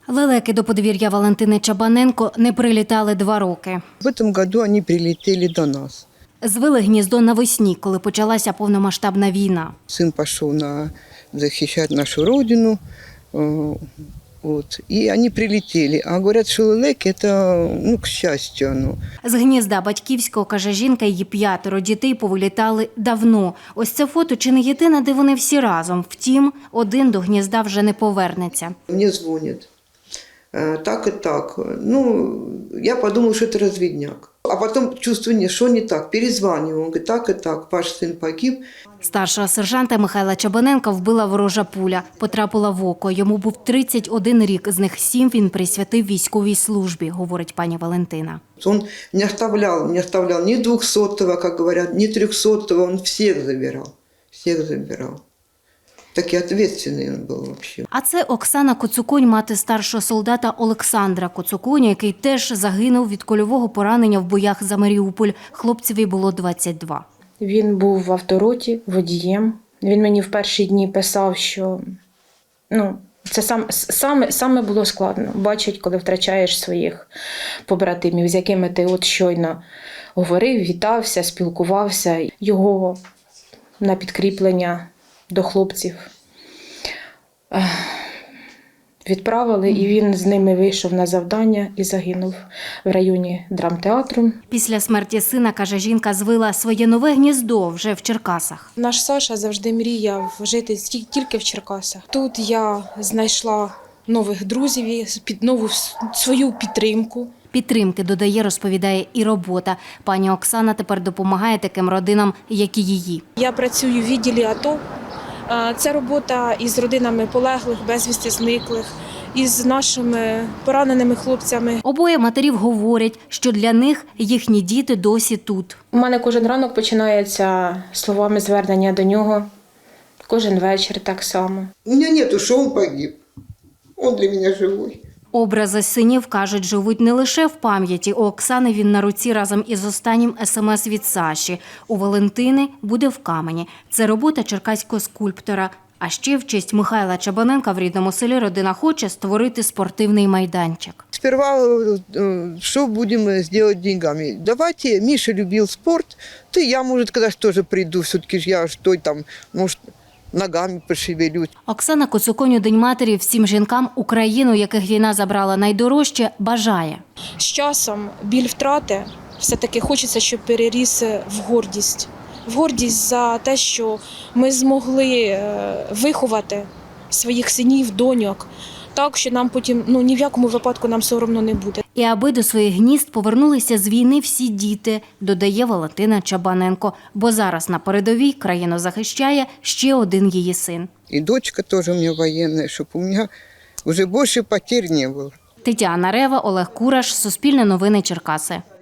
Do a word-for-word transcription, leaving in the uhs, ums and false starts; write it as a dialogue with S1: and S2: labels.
S1: Лелеки до подвір'я Валентини Чабаненко не прилітали два роки.
S2: В цьому році вони прилетіли до нас.
S1: Звили гніздо навесні, коли почалася повномасштабна війна.
S2: Син пішов на захищати нашу родину, от, і вони прилетіли. А говорять, що лелеки – це, ну, к щастю. Ну.
S1: З гнізда батьківського, каже жінка, її п'ятеро дітей повилітали давно. Ось це фото чи не єдине, де вони всі разом. Втім, один до гнізда вже не повернеться.
S2: Мені дзвонять. Так і так. Ну, я подумала, що це розвідняк. А потім чувствую, що не так. Перезвонюю. Він говорить, так і так, ваш син погиб.
S1: Старшого сержанта Михайла Чабаненка вбила ворожа пуля. Потрапила в око. Йому був тридцять один рік. З них сім він присвятив військовій службі, говорить пані Валентина.
S2: Он не оставлял, не оставлял ни двухсотого, как говорят, ни трехсотого. Он всех забирал. Всех забирал. Такий відповідальний він був взагалі.
S1: А це Оксана Коцуконь, мати старшого солдата Олександра Коцуконя, який теж загинув від кульового поранення в боях за Маріуполь. Хлопцеві було двадцять два.
S3: Він був в автороті водієм. Він мені в перші дні писав, що ну, це сам, саме, саме було складно. Бачить, коли втрачаєш своїх побратимів, з якими ти от щойно говорив, вітався, спілкувався. Його на підкріплення до хлопців відправили, і він з ними вийшов на завдання і загинув в районі драмтеатру.
S1: Після смерті сина, каже жінка, звила своє нове гніздо вже в Черкасах.
S4: Наш Саша завжди мріяв жити тільки в Черкасах. Тут я знайшла нових друзів, нову свою підтримку.
S1: Підтримки, додає, розповідає, і робота. Пані Оксана тепер допомагає таким родинам, як і її.
S4: Я працюю в відділі АТО. Це робота із родинами полеглих, безвісти зниклих, із нашими пораненими хлопцями.
S1: Обоє матерів говорять, що для них їхні діти досі тут.
S3: У мене кожен ранок починається словами звернення до нього. Кожен вечір так само.
S2: У мене нету, що він погиб. Він для мене живий.
S1: Образи синів, кажуть, живуть не лише в пам'яті. У Оксани він на руці разом із останнім смс від Саші. У Валентини буде в камені. Це робота черкаського скульптора. А ще в честь Михайла Чабаненка в рідному селі родина хоче створити спортивний майданчик.
S2: Сперва, что будем сделать деньгами? Давайте, Миша любил спорт, ты, я, может, когда тоже приду, все-таки ж я что там, может, ногами пошевелюсь.
S1: Оксана Коцуконь у День матері всім жінкам Україну, яких війна забрала найдорожче, бажає.
S4: З часом біль втрати все-таки хочеться, щоб переріс в гордість. В гордість за те, що ми змогли виховати своїх синів, доньок, так, що нам потім, ну, ні в якому випадку нам соромно не буде.
S1: І аби до своїх гнізд повернулися з війни всі діти, додає Валентина Чабаненко. Бо зараз на передовій країну захищає ще один її син.
S2: І дочка теж у мене воєнна, щоб у мене вже більше потерь не було.
S1: Тетяна Рева, Олег Кураш, Суспільне новини Черкаси.